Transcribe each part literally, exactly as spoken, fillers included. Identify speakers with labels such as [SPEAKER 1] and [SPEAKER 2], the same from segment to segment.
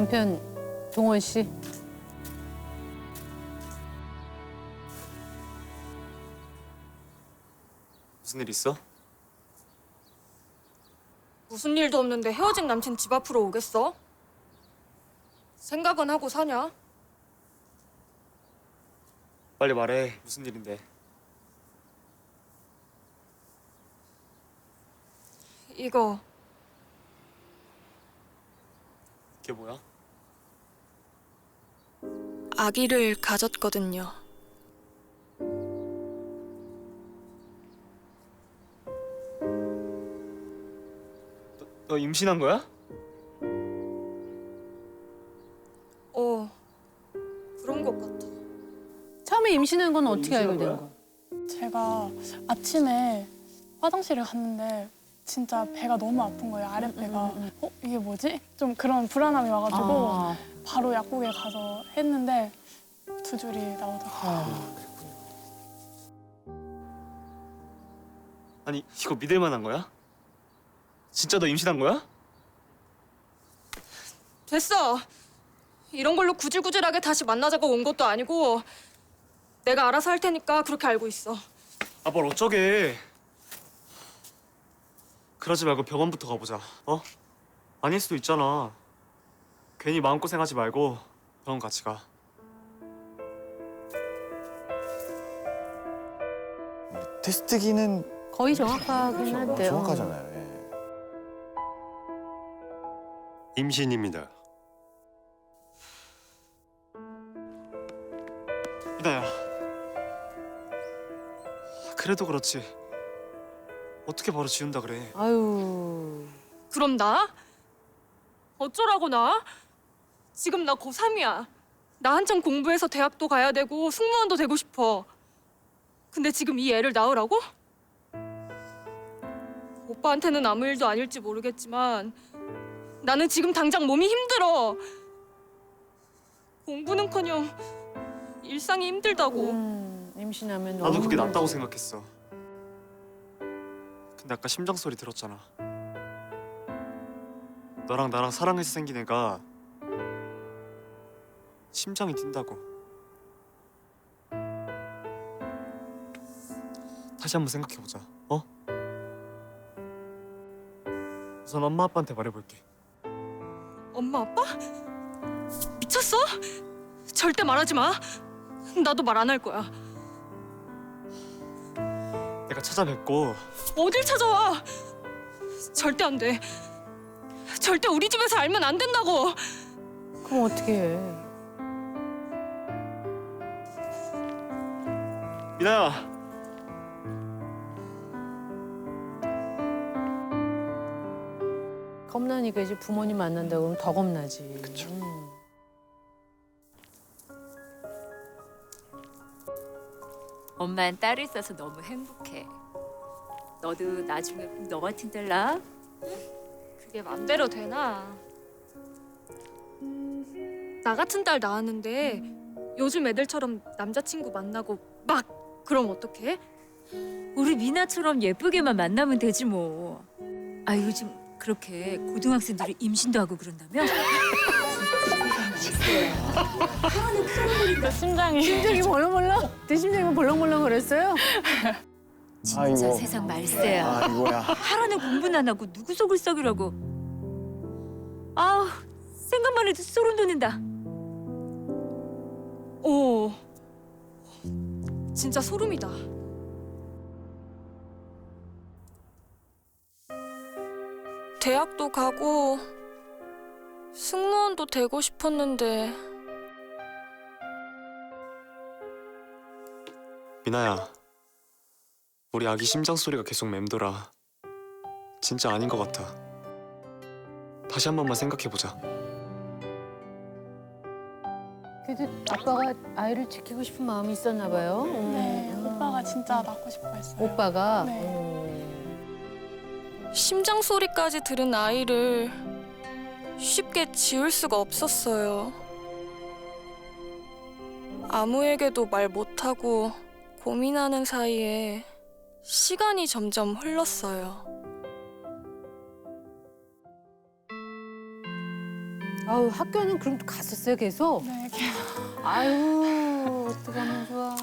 [SPEAKER 1] 남편 동원 씨.
[SPEAKER 2] 무슨 일 있어?
[SPEAKER 3] 무슨 일도 없는데 헤어진 남친 집 앞으로 오겠어? 생각은 하고 사냐?
[SPEAKER 2] 빨리 말해. 무슨 일인데?
[SPEAKER 3] 이거
[SPEAKER 2] 이게 뭐야?
[SPEAKER 3] 아기를 가졌거든요.
[SPEAKER 2] 너, 너 임신한 거야?
[SPEAKER 3] 어, 그런 것 같아.
[SPEAKER 1] 처음에 임신한 건 어떻게 알게 된 거야?
[SPEAKER 4] 제가 아침에 화장실을 갔는데 진짜 배가 너무 아픈 거예요, 아랫배가.
[SPEAKER 1] 음, 음, 음.
[SPEAKER 4] 어? 이게 뭐지? 좀 그런 불안함이 와가지고
[SPEAKER 1] 아.
[SPEAKER 4] 바로 약국에 가서 했는데 두 줄이 나오더라고요.
[SPEAKER 1] 아.
[SPEAKER 2] 아니 이거 믿을 만한 거야? 진짜 너 임신한 거야?
[SPEAKER 3] 됐어. 이런 걸로 구질구질하게 다시 만나자고 온 것도 아니고 내가 알아서 할 테니까 그렇게 알고 있어.
[SPEAKER 2] 아 뭘 어쩌게. 그러지 말고 병원부터 가보자. 어? 아닐 수도 있잖아. 괜히 마음고생하지 말고 병원 같이 가.
[SPEAKER 5] 테스트기는
[SPEAKER 1] 거의 정확하긴 한데요.
[SPEAKER 5] 정확하잖아요. 예.
[SPEAKER 6] 임신입니다.
[SPEAKER 2] 이나야. 그래도 그렇지. 어떻게 바로 지운다 그래.
[SPEAKER 1] 아유.
[SPEAKER 3] 그럼 나? 어쩌라고 나? 지금 나 고삼이야. 나 한창 공부해서 대학도 가야 되고 승무원도 되고 싶어. 근데 지금 이 애를 낳으라고? 오빠한테는 아무 일도 아닐지 모르겠지만 나는 지금 당장 몸이 힘들어. 공부는커녕 일상이 힘들다고.
[SPEAKER 1] 음, 임신하면
[SPEAKER 2] 나도
[SPEAKER 1] 너무
[SPEAKER 2] 그게
[SPEAKER 1] 힘들지.
[SPEAKER 2] 낫다고 생각했어. 근데 아까 심장 소리 들었잖아. 너랑 나랑 사랑해서 생긴 애가 심장이 뛴다고. 다시 한번 생각해보자. 어? 우선 엄마 아빠한테 말해볼게.
[SPEAKER 3] 엄마 아빠? 미쳤어? 절대 말하지 마. 나도 말 안 할 거야.
[SPEAKER 2] 내가 찾아뵙고
[SPEAKER 3] 어딜 찾아와? 절대 안 돼. 절대 우리 집에서 알면 안 된다고.
[SPEAKER 1] 그럼 어떻게 해?
[SPEAKER 2] 미나야.
[SPEAKER 1] 겁나니까 이제 부모님 만난다고 그러면 더 겁나지. 그쵸.
[SPEAKER 7] 엄마는 딸이 있어서 너무 행복해. 너도 나중에 꼭 너 같은 딸 낳아?
[SPEAKER 3] 그게 맘대로 되나? 나 같은 딸 낳았는데 요즘 애들처럼 남자친구 만나고 막 그럼 어떡해?
[SPEAKER 7] 우리 미나처럼 예쁘게만 만나면 되지 뭐. 아 요즘 그렇게 고등학생들이 임신도 하고 그런다며?
[SPEAKER 4] 심장이
[SPEAKER 1] 심장이 벌렁벌렁? 내 심장이 벌렁벌렁 그랬어요?
[SPEAKER 7] 진짜
[SPEAKER 5] 아이고.
[SPEAKER 7] 세상 말세야.
[SPEAKER 5] 아이고야.
[SPEAKER 7] 하라는 공부는 안 하고 누구 속을 썩이라고. 아우 생각만 해도 소름 돋는다.
[SPEAKER 3] 오, 진짜 소름이다. 대학도 가고 승무원도 되고 싶었는데
[SPEAKER 2] 미나야. 우리 아기 심장 소리가 계속 맴돌아. 진짜 아닌 것 같아. 다시 한 번만 생각해보자.
[SPEAKER 1] 그래도 아빠가 아이를 지키고 싶은 마음이 있었나 봐요. 음.
[SPEAKER 4] 네, 오빠가 진짜 낳고 싶어 했어요.
[SPEAKER 1] 오빠가?
[SPEAKER 4] 네.
[SPEAKER 1] 음.
[SPEAKER 3] 심장 소리까지 들은 아이를 쉽게 지울 수가 없었어요. 아무에게도 말 못하고 고민하는 사이에 시간이 점점 흘렀어요.
[SPEAKER 1] 아유 학교는 그럼 또 갔었어요 계속?
[SPEAKER 4] 네, 계속.
[SPEAKER 1] 아유 어떡하면 좋아.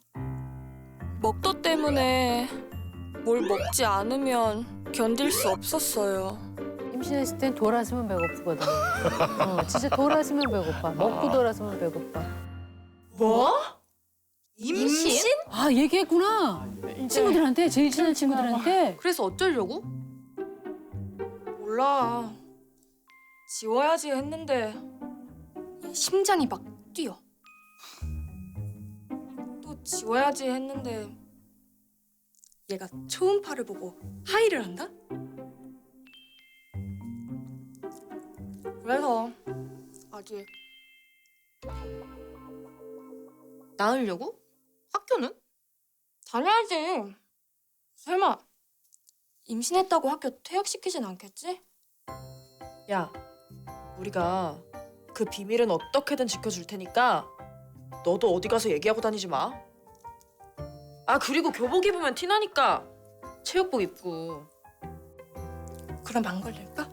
[SPEAKER 3] 먹도 때문에 뭘 먹지 않으면 견딜 수 없었어요.
[SPEAKER 1] 임신했을 땐 돌았으면 배고프거든. 어, 진짜 돌았으면 배고파. 먹고 돌았으면 배고파.
[SPEAKER 3] 뭐? 임신?
[SPEAKER 1] 아 얘기했구나. 친구들한테 제일 친한 친구들한테.
[SPEAKER 3] 그래서 어쩌려고? 몰라. 지워야지 했는데 심장이 막 뛰어. 또 지워야지 했는데 얘가 초음파를 보고 하이를 한다? 그래서 아직 낳으려고? 학교는? 다녀야지. 설마 임신했다고 학교 퇴학시키진 않겠지?
[SPEAKER 5] 야, 우리가 그 비밀은 어떻게든 지켜줄 테니까 너도 어디 가서 얘기하고 다니지 마. 아, 그리고 교복 입으면 티나니까 체육복 입고.
[SPEAKER 3] 그럼 안 걸릴까?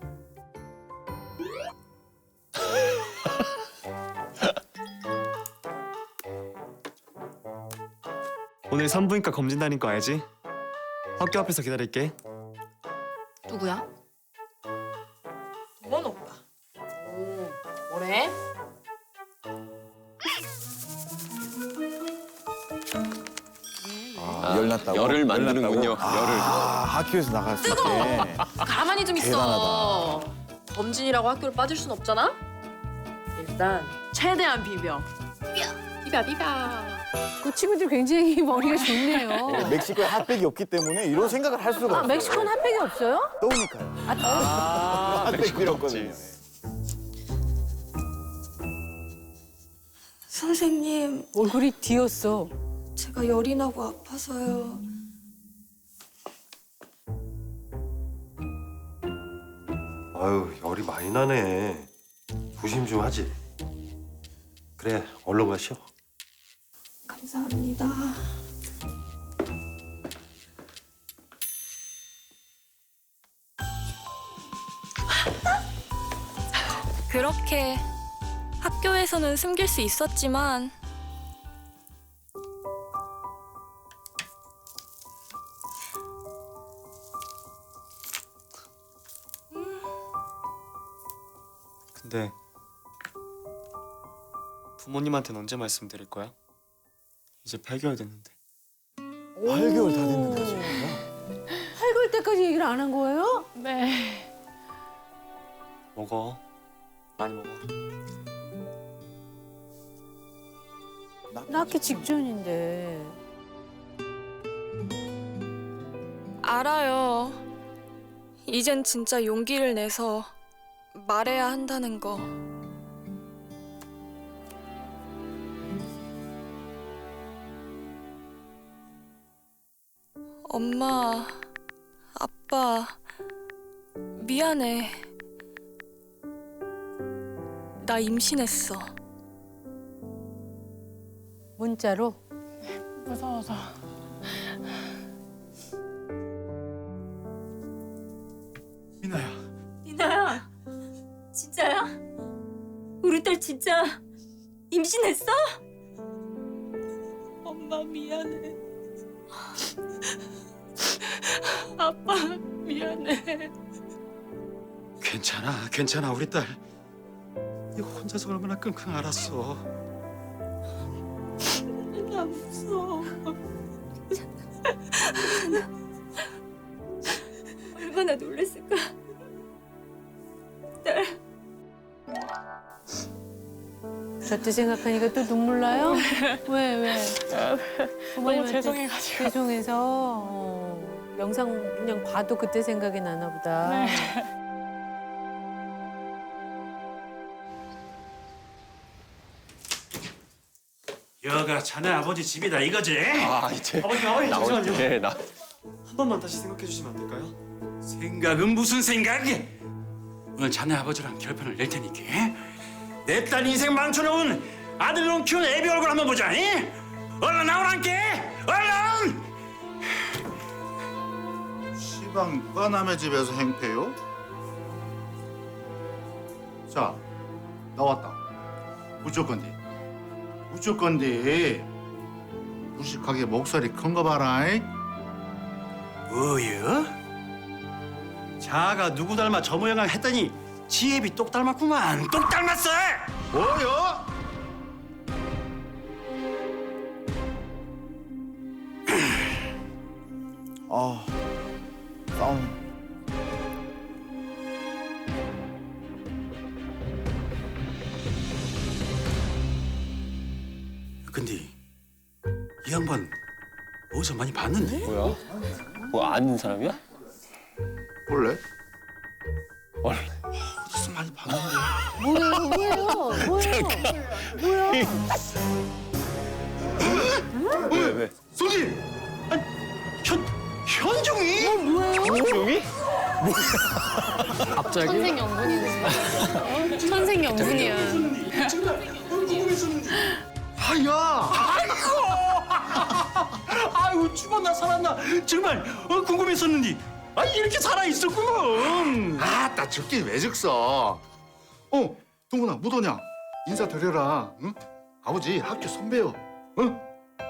[SPEAKER 2] 오늘 산부인과 검진다는 거 알지? 학교 앞에서 기다릴게.
[SPEAKER 3] 누구야?
[SPEAKER 5] 동원 오빠. 오, 뭐래?
[SPEAKER 8] 아, 열 났다고?
[SPEAKER 9] 열을 만드는군요.
[SPEAKER 8] 아,
[SPEAKER 9] 열을.
[SPEAKER 8] 학교에서 나갔을 때.
[SPEAKER 5] 가만히 좀 있어. 검진이라고 학교를 빠질 순 없잖아? 일단 최대한 비벼. 비벼 비벼.
[SPEAKER 1] 그 친구들 굉장히 머리가 좋네요.
[SPEAKER 8] 네, 멕시코에 핫팩이 없기 때문에 이런 생각을 할 수가
[SPEAKER 1] 아
[SPEAKER 8] 없어요.
[SPEAKER 1] 멕시코는 핫팩이 없어요?
[SPEAKER 8] 떠오니까요.
[SPEAKER 1] 아 떠.
[SPEAKER 8] 핫팩 필요 없거든요.
[SPEAKER 3] 선생님,
[SPEAKER 1] 얼굴이 뒤었어.
[SPEAKER 3] 제가 열이 나고 아파서요.
[SPEAKER 6] 아유, 열이 많이 나네. 조심 좀 하지. 그래, 얼른 가시오.
[SPEAKER 3] 감사합니다. 그렇게 학교에서는 숨길 수 있었지만
[SPEAKER 2] 근데 부모님한테는 언제 말씀드릴 거야? 이제 팔 개월 됐는데.
[SPEAKER 8] 팔 개월 다 됐는데 지금.
[SPEAKER 1] 팔 개월 때까지 얘기를 안 한 거예요?
[SPEAKER 4] 네.
[SPEAKER 2] 먹어. 많이 먹어.
[SPEAKER 1] 낳기 직전인데.
[SPEAKER 3] 알아요. 이젠 진짜 용기를 내서 말해야 한다는 거. 엄마, 아빠, 미안해. 나 임신했어.
[SPEAKER 1] 문자로.
[SPEAKER 4] 무서워서.
[SPEAKER 2] 미나야.
[SPEAKER 7] 니나야, 진짜야? 우리 딸 진짜 임신했어?
[SPEAKER 3] 엄마 미안해. 아빠 미안해.
[SPEAKER 9] 괜찮아, 괜찮아, 우리 딸. 이거 혼자서 얼마나 끙끙 앓았어.
[SPEAKER 3] 나 무서워.
[SPEAKER 7] 얼마나 놀랐을까? 딸.
[SPEAKER 1] 저때 생각하니까 또 눈물 나요? 왜 왜?
[SPEAKER 4] 너무 죄송해가지고.
[SPEAKER 1] 죄송해서 어, 영상 그냥 봐도 그때 생각이 나나 보다.
[SPEAKER 4] 네.
[SPEAKER 10] 여가 자네 아버지 집이다 이거지?
[SPEAKER 9] 아, 이제
[SPEAKER 2] 아버지, 아버지
[SPEAKER 9] 나올
[SPEAKER 2] 잠시만요.
[SPEAKER 9] 때 나.
[SPEAKER 2] 한 번만 다시 생각해 주시면 안 될까요?
[SPEAKER 10] 생각은 무슨 생각이? 오늘 자네 아버지랑 결판을 낼 테니까 내 딸 인생 망쳐놓은 아들놈 키운 애비 얼굴 한번 보자. 이? 얼른 나오란께! 얼른!
[SPEAKER 11] 시방 누가 남의 집에서 행패요? 자, 나왔다. 어쩔 건데? 어쩔 건데? 무식하게 목소리 큰 거 봐라. 이?
[SPEAKER 10] 뭐여? 자가 누구 닮아 저 모양 했더니 지혜비 똑 닮았구만. 똑 닮았어.
[SPEAKER 11] 뭐요?
[SPEAKER 8] 아, 싸움.
[SPEAKER 10] 근데 이 양반 어디서 많이 봤는데?
[SPEAKER 2] 뭐야? 뭐 아는 사람이야?
[SPEAKER 11] 원래?
[SPEAKER 10] 어디서 많이 봤는데?
[SPEAKER 1] 뭐예요? 뭐예요? 뭐예요? 뭐야?
[SPEAKER 2] 왜 왜?
[SPEAKER 11] 손님!
[SPEAKER 10] 아니, 현 현종이?
[SPEAKER 1] 어, 뭐예요?
[SPEAKER 2] 종이? 갑자기?
[SPEAKER 1] 천생연분이네. 천생연분이야.
[SPEAKER 10] 아야, 아이고, 아이고 죽었나 살았나 정말 어, 궁금했었는데, 아 이렇게 살아 있었구먼.
[SPEAKER 11] 아따 죽긴 왜 죽어? 어, 동훈아 못 오냐? 인사 드려라. 응? 아버지 학교 선배요. 응?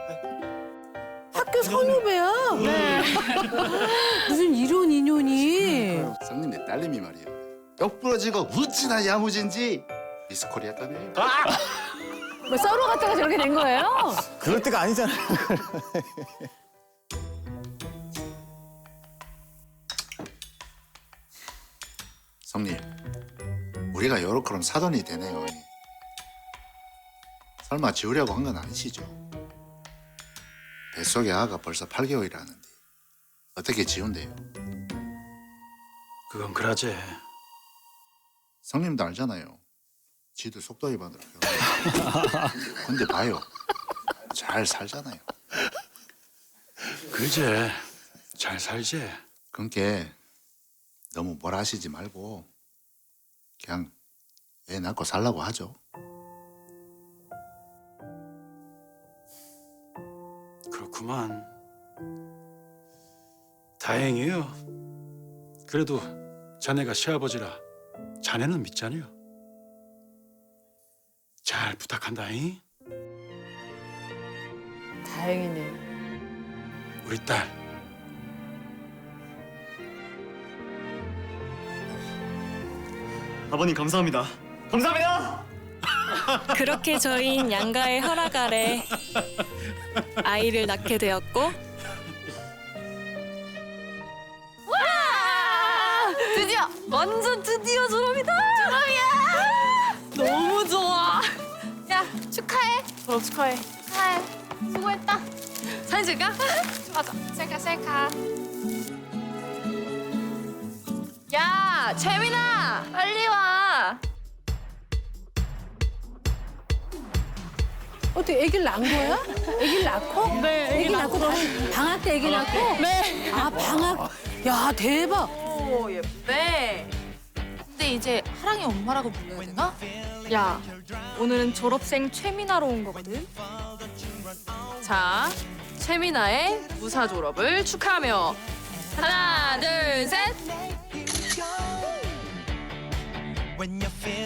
[SPEAKER 1] 학교 선후배야? 네. 무슨 이런 인연이?
[SPEAKER 11] 성님 내 딸내미 말이야. 역 부러지고 어찌나 야무진지 미스 코리아 따네.
[SPEAKER 1] 뭐 썰어 갔다가 저렇게 된 거예요?
[SPEAKER 8] 그럴 때가 아니잖아요.
[SPEAKER 11] 성님, 우리가 요렇게럼 사돈이 되네요. 설마 지우려고 한 건 아니시죠? 뱃속의 아가 벌써 팔 개월이라는데 어떻게 지운대요?
[SPEAKER 10] 그건 그라제.
[SPEAKER 11] 성님도 알잖아요. 지도 속도 위반으로 배웠어요. 근데 봐요. 잘 살잖아요.
[SPEAKER 10] 그제 잘 살지.
[SPEAKER 11] 그러니까 너무 뭐라 하시지 말고 그냥 애 낳고 살라고 하죠.
[SPEAKER 10] 그렇구만. 다행이에요. 그래도 자네가 시아버지라 자네는 믿잖아요. 잘 부탁한다잉.
[SPEAKER 1] 다행이네.
[SPEAKER 10] 우리 딸.
[SPEAKER 2] 아버님 감사합니다. 감사합니다.
[SPEAKER 3] 그렇게 저희는 양가의 허락 아래 아이를 낳게 되었고, 와! 드디어! 완전 드디어 졸업이다! 졸업이야! 너무 좋아! 야, 축하해! 졸업 축하해. 축하해. 수고했다. 사진 찍을까? 맞아. 셀카, 셀카. 야, 재민아! 빨리 와!
[SPEAKER 1] 어떻게 애기를 낳은 거야? 애기를 낳고?
[SPEAKER 3] 네,
[SPEAKER 1] 애기 낳고 방, 방학 때 애기 낳고?
[SPEAKER 3] 네.
[SPEAKER 1] 아 방학. 야 대박.
[SPEAKER 5] 오 예쁘네.
[SPEAKER 3] 근데 이제 하랑이 엄마라고 불러야 되나? 야, 오늘은 졸업생 최민아로 온 거거든.
[SPEAKER 5] 자, 최민아의 무사 졸업을 축하하며 하나, 둘, 셋.